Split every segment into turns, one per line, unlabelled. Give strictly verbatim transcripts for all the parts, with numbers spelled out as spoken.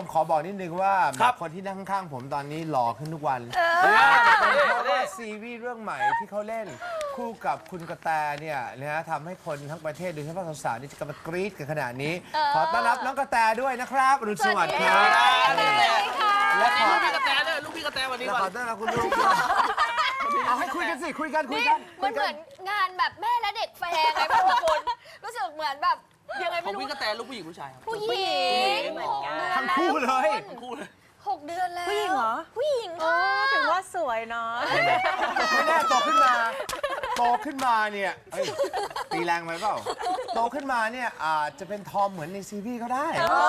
ขอบอกนิดนึงว่าคนที่นั่งข้างๆผมตอนนี้หล่อขึ้นทุกวันเพราะว่าซีรีส์เรื่องใหม่ที่เขาเล่นคู่กับคุณกระแตเนี่ยนะฮะทำให้คนทั้งประเทศโดยเฉพาะสาวๆนี่จะกำลังกรี๊ดกันขนาดนี้ขอต้อนรับน้องกระแตด้วยนะครับอรุณสวัสดิ์ครับ
และขอลูกพี่กระแตด้วยลูกพี่กระแตวันนี้
ขอต้อนรับคุณลูกเอาให้คุยกันสิคุยกันคุยกัน
มันเหมือนงานแบบแม่และเด็กแฟร์ไงพี่คุณรู้สึกเหมือนแบบยังไงไม่รู้
ของพี่กระแตลูกผู้หญิงผู้ชายครับ
ผู้หญิง
ทั้งคู่เลย
ทั้งคู่เลย
หกเดือนแล้ว
ผู้หญิงเหรอ
ผู้หญิง
ถึงว่าสวยเนาะ
ไม่แน่โตขึ้นมาโตขึ้นมาเนี่ยตีแรงไหมเปล่าโตขึ้นมาเนี่ยอาจจะเป็นทอมเหมือนในซีรีส์ก็ได้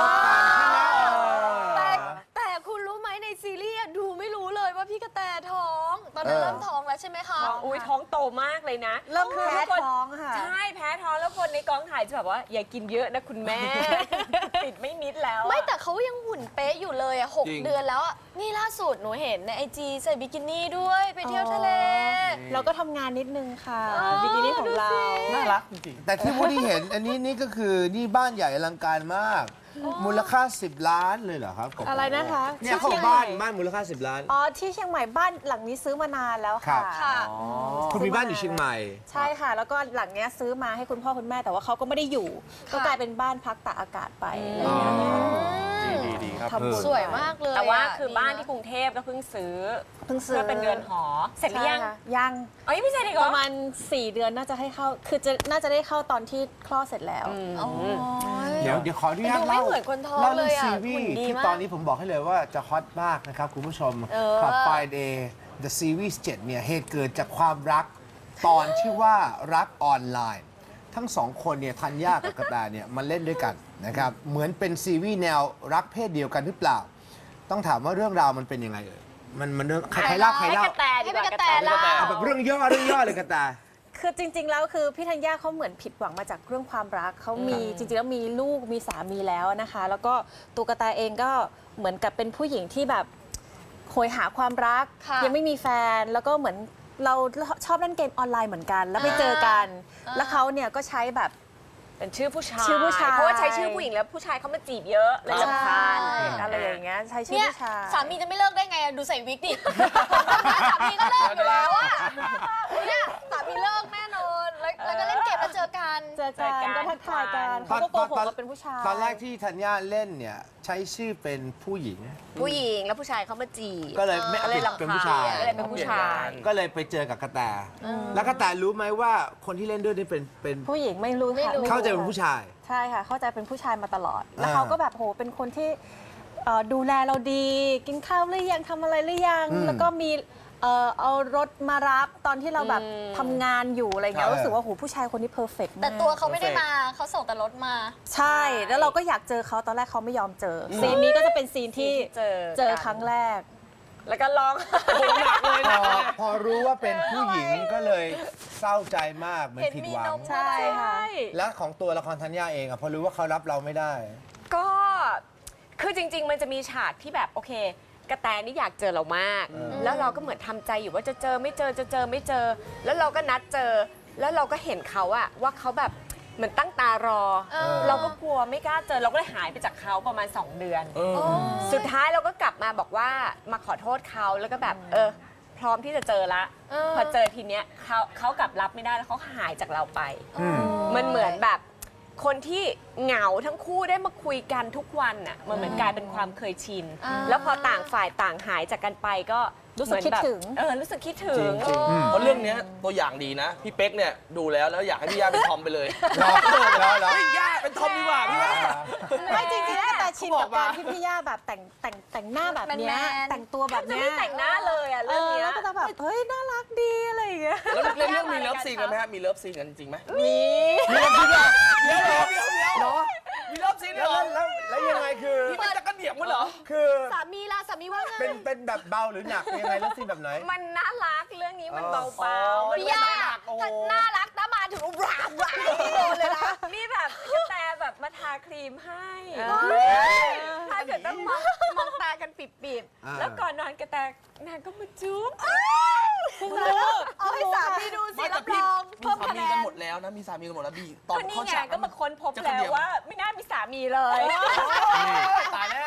แต่แต่คุณรู้ไหมในซีรีส์ดูไม่รู้เลยว่าพี่กระแตท้องตอนนั้นเริ่มท้องแล้วใช่ไหมคะ
อุ้ยท้องโตมากเลยนะ
เริ่มแพ้ท้องค่ะ
ใช่แพ้ท้องแล้วคนในกองถ่ายจะแบบว่าอย่ากินเยอะนะคุณแม่ติดไม่มิดแล้ว
ไม่แต่เขายังหุ่นเป๊ะอยู่เลยอ่ะหกเดือนแล้วนี่ล่าสุดหนูเห็นในไอจีใส่บิกินี่ด้วยไปเที่ยวทะเล
เราก็ทำงานนิดนึงค่ะบิกินี่ของเรา
น่ารักจริง
แต่ที่วูดดี้เห็นอันนี้นี่ก็คือนี่บ้านใหญ่อลังการมากมูลค่าสิบล้านเลยเหรอครับ
อะไรนะคะ
เนี่ยเขาบ้านบ้านมูลค่าสิบล้าน
อ๋อที่เชียงใหม่บ้านหลังนี้ซื้อมานานแล้วค่ะ
คุณมีบ้านอยู่เชียงใหม่
ใช่ค่ะแล้วก็หลังนี้ซื้อมาให้คุณพ่อคุณแม่แต่ว่าเขาก็ไม่ได้อยู่ก็กลายเป็นบ้านพักตากอากาศไปอะไรอย่างเงี้ย
ดีดีครับ
สวยมากเลย
แต่ว่าคือบ้านที่กรุงเทพก็เพิ่งซื้อเพิ่งซื้อเป็นเรือนหอเสร็จหรือยังยังเอ้ยไม่ใช่ดิประมาณสี่เดือนน่าจะให้เข้าคือจะน่าจะได้เข้าตอนที่คลอดเสร็จแล้ว
เดี๋ยวเดี๋ยวขออนุญาตเล่าเล่าเรื่องซีรีส์ที่ตอนนี้ผมบอกให้เลยว่าจะฮอตมากนะครับคุณผู้ชมขับ Friday The Series เจ็ดเนี่ยเหตุเกิดจากความรักตอนชื่อว่ารักออนไลน์ทั้งสองคนเนี่ยธัญญากับกระแตเนี่ยมาเล่นด้วยกันนะครับเหมือนเป็นซีรีส์แนวรักเพศเดียวกันหรือเปล่าต้องถามว่าเรื่องราวมันเป็นยังไงเอ่ยมันมันเรื่องใครเล่าใครเล่า
ให้เป็นกระแตเล่า
แบบเรื่องย่อเรื่องย่อเลยกระแต
คือจริงๆแล้วคือพี่ธัญญาเขาเหมือนผิดหวังมาจากเรื่องความรักเขามีจริงๆแล้วมีลูกมีสามีแล้วนะคะแล้วก็ตัวกระแตเองก็เหมือนกับเป็นผู้หญิงที่แบบโหยหาความรักยังไม่มีแฟนแล้วก็เหมือนเราชอบเล่นเกมออนไลน์เหมือนกันแล้วไปเจอกันแล้วเขาเนี่ยก็ใช้แบบเป็นชื่อผู้ชายชื่อผู้ชายเพราะว่าใช้ชื่อผู้หญิงแล้วผู้ชายเขามาจีบเยอะเลยรำคาญอะไรอย่างเงี้ยใช้ชื่อผู้ชาย
สามีจะไม่เลิกได้ไงดูใส่วิกดิสามีก็เลิกอยู่แล้วอ่ะเนี่ยสามีเลิกแน่นอนแล้วก็เล่นเกมแล้วเจอกัน
เจอกันก็ทักทายกันเขาก็โกหกว่าเป็นผู้ชาย
ตอนแรกที่ธัญญาเล่นเนี่ยใช้ชื่อเป็นผู้หญิง
ผู้หญิงแล้วผู้ชายเขามาจีบ
ก็เลยไม่เป็นผู้ชาย
ก็เลยเป็นผู้ชาย
ก็เลยไปเจอกับกระแตแล้วกระแตรู้ไหมว่าคนที่เล่นด้วยนี่เป็นเป็น
ผู้หญิงไม่รู้ค่ะ
เข้าใจเป็นผู้ชาย
ใช่ค่ะเข้าใจเป็นผู้ชายมาตลอดแล้วเขาก็แบบโหเป็นคนที่ดูแลเราดีกินข้าวหรือยังทำอะไรหรือยังแล้วก็มีเอารถมารับตอนที่เราแบบทำงานอยู่อะไรเงี้ยรู้สึกว่าโหผู้ชายคนนี้เพอร์เฟกต์มาก
แต่ตัวเขาไม่ได้มาเขาส่งแต่รถมา
ใช่แล้วเราก็อยากเจอเขาตอนแรกเขาไม่ยอมเจอซีนนี้ก็จะเป็นซีนที่เจอครั้งแรกแล้วก็ร้องหนักเลยนะ
พอรู้ว่าเป็นผู้หญิงก็เลยเศร้าใจมากเหมือนผิดหวัง
ใช่ค่ะ
แล้วของตัวละครธัญญาเองอะพอรู้ว่าเขารับเราไม่ได้
ก็คือจริงๆมันจะมีฉากที่แบบโอเคกระแตนี่อยากเจอเรามากแล้วเราก็เหมือนทำใจอยู่ว่าจะเจอไม่เจอจะเจอไม่เจอแล้วเราก็นัดเจอแล้วเราก็เห็นเขาอะว่าเขาแบบเหมือนตั้งตารอเราก็กลัวไม่กล้าเจอเราก็เลยหายไปจากเขาประมาณสองเดือนสุดท้ายเราก็กลับมาบอกว่ามาขอโทษเขาแล้วก็แบบเออพร้อมที่จะเจอละพอเจอทีเนี้ยเขาเขากลับรับไม่ได้แล้วเขาหายจากเราไปมันเหมือนแบบคนที่เหงาทั้งคู่ได้มาคุยกันทุกวันน่ะมันเหมือนกลายเป็นความเคยชินแล้วพอต่างฝ่ายต่างหายจากกันไปก็รู้สึกคิดถึงเออรู้สึกคิดถึง
เพราะเรื่องนี้ตัวอย่างดีนะพี่เป๊กเนี่ยดูแล้วแล้วอยากให้พี่ย่าเป็นทอมไปเลย
แล้วแล้ว
พี่ย่าเป็นทอมดีกว่าพี่ย่า
ไม่จริงๆแล้วแต่ชินกับการที่พี่ย่าแบบแต่งแต่งแต่งหน้าแบบนี้แต่งตัวแบบนี้ไม่แต่งหน้าเลยอ่ะเรื่องนี้แล้วก็จะแบบเฮ้ยน่ารักดีอะไรอย่างเงี้ย
แล้วเรื่องมีเลิฟซีนกันไหมฮะมีเลิฟซีนกันจริงไหม
มี
มีเลิฟซีนกัน
เดี๋ยวเดี๋ยวเดี๋ยวเดี๋ยวมีเลิฟซีนเหรอ
แล้วแล้วยังไงคือ
พี่มันจะกระเดี่ยงมั้งเหรอ
คือ
สามีล่ะสามีว่าไง
เป็นเป็นแบบเบาหรือหนักยังไงเลิฟซีนแบบไหน
มันน่ารักเรื่องนี้มันเบาๆ
พี่ย่าถ้าน่ารักถ้ามาถึงร้าวร้าวโดนเลยนะ
นี่แบบแต่แบบมาทาครีมให้ถ้าเกิดต้องมองมองตากันปิดๆแล้วก่อนนอนกระแตนางก็มาจุ๊บ
เอาให้สามีดูสิรับรอง
เพิ่มคะแนนมีสามีกันหมดแล้วนะมีสามีกันหมดแล้วบีตอน
เขาฉากก็มาค้นพบแล้วว่าไม่น่ามีสามีเลย
ตายแล้ว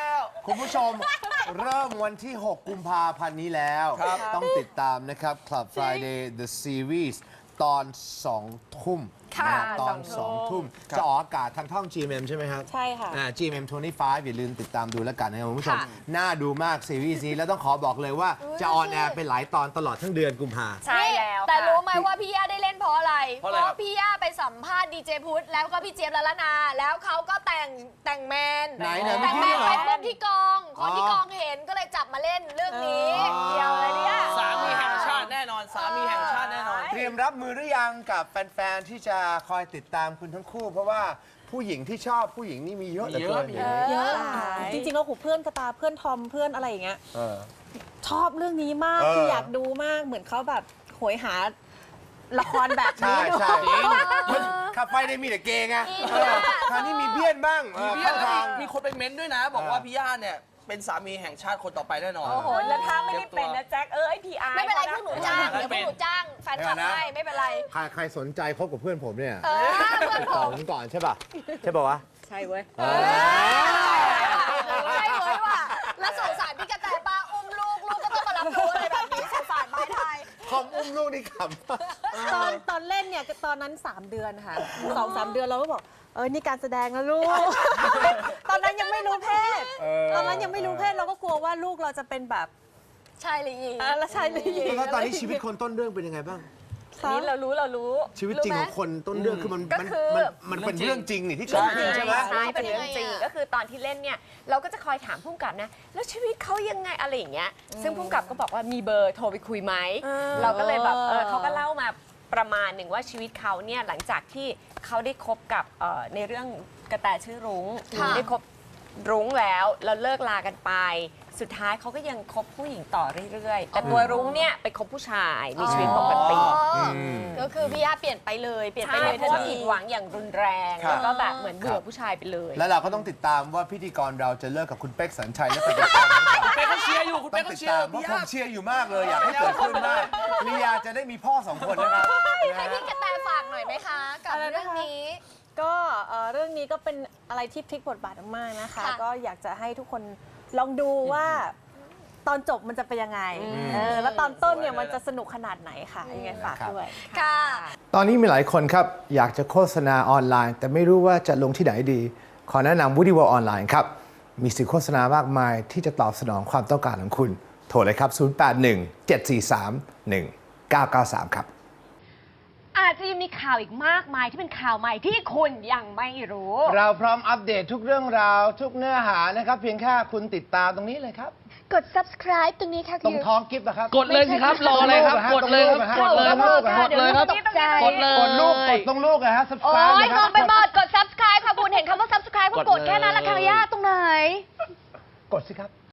คุณผู้ชมเริ่มวันที่ หก กุมภาพันธ์นี้แล้ว
ครับ
ต้องติดตามนะครับ Club Friday The Series ตอน สอง ทุ่ม
ค่ะ
นะตอน
ส
ส
อ
อง ง
ทุ่
ทุ่
ม
ม จะออกอากาศทางท่อง จี เอ็ม เอ็ม ใช่ไหมครับ
ใช่ค่ะ
อ่า จี เอ็ม เอ็ม ยี่สิบห้า อย่าลืมติดตามดูแล้วกันนะครับคุณผู้ชม
ค่ะ
น่าดูมากซีรีส์นี้ แล้วต้องขอบอกเลยว่าจะออนแอร์เป็นหลายตอนตลอดทั้งเดือนกุมภา
ใช่แล้ว
แต่
ค่ะ
รู้ไหมว่าพี่ย่าได้เล่นเพราะอะไร
เพราะอะไรครับ
พี่ย่าไปสัมภาษณ์ดีเจพุทธแล้วก็พี่เจี๊ยบละละนา แล้วเขาก็แต่งแต่งแมน
ไหนไหน
แต่งแมน
เมื่อกี้เหรอ
ไปปุ๊บที่กอง คนที่
อ๋อ
กองเห็นก็เลยจับมาเล่นเรื่องนี้
อ๋อ
เดียวเลยเนี่ย
สามีแห่งชาติแน่นอน สามีแห่งชาติแน่นอน
เตรียมรับมือหรือยังกับแฟน ๆ ที่จะคอยติดตามคุณทั้งคู่ เพราะว่าผู้หญิงที่ชอบผู้หญิงนี่มีเยอะเหลือเกิน
เยอะ
เยอะจริงๆแล้วหูเพื่อนกระตาเพื่อนทอมเพื่อนอะไรอย่างเงี้ย
เออ
ชอบเรื่องนี้มาก
เออ
คืออยากดูมากเหมือนเขาแบบโหยหาละครแบบ
ใช่
นี้ดู
ใช่มันขับไปได้มีแต่เกย์ไงเออคราวนี้มีเบี้ยนบ้างเออ
มี
เข้าทาง
มีคนไปเม้นต์ด้วยนะ บอกว่า
เออ
พี่ย่าเนี่ยเป็นสามีแห่งชาติคนต่อไปแน่นอน
โอ้โห แล้วถ้าไม่ได้เป็นนะแจ็ค เอ้ยพีอาร์
ไม่เป็นไรพวกหนูจ้าง
ไม่
เดี๋ยวพ
เป็
วน กหนูจ้างแฟนคลับให้ไม่เป็นไร
ใครใครสนใจคบกับเพื่อนผมเนี่ย
เออเพื่อน
ติด
ผ
ต่อ
ม
ผมก่อนใช่ป่ะ ใช่ป่ะวะ
ใช่เว้ย
เออ
ใช่เลยว่ะแล้วสงสารพี่กระแตป้าอุ้มลูกลูกก็ต้องมารับรู้อะไรแบบนี้สงสารไม้ไทย
คอมอุ้มลูกนี่ข
ตอนตอนเล่นเนี่ยตอนนั้น สาม เดือนค่ะสองสามเดือนเราก็บอกเออนี่การแสดงนะลูก ตอนนั้นยังไม่รู้เพศ
ำเออ
ตอนนั้นยังไม่รู้เพศเราก็กลัวว่าลูกเราจะเป็นแบบ
ใช่เลยยิง
อ่ะแล้วใช่เลย
แล้วตอนนี้ชีวิตคนต้นเรื่องเป็นยังไงบ้าง
อันนี้เรารู้เรารู้
ชีวิตจริงของคนต้นเรื่องคือมัน
ก็
มัน
คือ
มันมันเป็นเรื่องจริงนี่ที่เกิดขึ้นใช่ไหม
ใช่เป็นเรื่องจริง ก็คือตอนที่เล่นเนี่ยเราก็จะคอยถามผู้กำกับนะ แล้วชีวิตเขายังไงอะไรอย่างเงี้ย ซึ่งผู้กำกับก็บอกว่ามีเบอร์โทรไปคุยไหม เราก็เลยแบบเออเขาก็เล่ามาประมาณหนึ่งว่าชีวิตเขาเนี่ยหลังจากที่เขาได้คบกับเอ่อในเรื่องกระแตชื่อรุ้ง
ค่ะ
ได้คบรุ้งแล้วแล้วเลิกลากันไป สุดท้ายเขาก็ยังคบผู้หญิงต่อเรื่อยๆ แต่ตัวรุ้งเนี่ยไปคบผู้ชายมีชีวิตปกติ
อ๋อก็คือพี่ย่าเปลี่ยนไปเลยเปลี่ยนไป
ใช่
เลย
เพ
ทั
ราะ
น
ว่า
ที
ผิดหวังอย่างรุนแรง
ครับ
แล้วก็แบบเหมือนเบื่อผู้ชายไปเลย
แล้วเราก็ต้องติดตามว่าพิธีกรเราจะเลิกกับคุณเป๊กสัญชัยและไปกับใครหรือเปล่า
คุณเป๊กเขาเชียร์อยู่ คุณ
ต้
เป๊
อก ง
เขา
ติด
เชียร์
ตามเพราะ
พี่
ผ
ย่า
มเชียร์อยู่มากเลย อยากให้เกิดขึ้นมากลียาจะได้มีพ่อสองคนนะครับ
ให้พี่กระแตฝากหน่อยไหมคะ กับ
อะไรนะคะ
เรื่องนี้
ก็เอ่อเรื่องนี้ก็เป็นอะไรที่พลิกบทบาทมากๆนะคะ
ค่ะ
ก็อยากจะให้ทุกคนลองดูว่าตอนจบมันจะเป็นยังไงเออแล้วตอนต้นเนี่ยมันจะสนุกขนาดไหนค่ะยังไงฝาก
ครับ
ด้วย
ค่ะ
ตอนนี้มีหลายคนครับ อยากจะโฆษณาออนไลน์ แต่ไม่รู้ว่าจะลงที่ไหนดี ขอแนะนำ Woody World ออนไลน์ครับ มีสื่อโฆษณามากมายที่จะตอบสนองความต้องการของคุณ โทรเลยครับ ศูนย์ แปด หนึ่ง เจ็ด สี่ สาม หนึ่ง เก้า เก้า สาม ครับ
อาจจะยังมีข่าวอีกมากมายที่เป็นข่าวใหม่ที่คุณยังไม่รู้
เราพร้อมอัปเดตทุกเรื่องราว ทุกเนื้อหานะครับ เพียงแค่คุณติดตามตรงนี้เลยครับ
กด subscribe ตรงนี้ค่ะ
ตรงท้องกิฟต์นะครับ
กดเลยสิครับ รออะไรครับ กดเลยครับ กดเลยครับ กดเลยครับ กดเลย
กดลูก กดตรงลูกนะฮะ
โอ้
subscribe
ย
นะค
ม
รั
องไปหมดกด subscribe ค่ะคุณเห็นคำว่า subscribe ก็กดแค่นั้นละค่ะย่าตรงไหน
กดสิครับ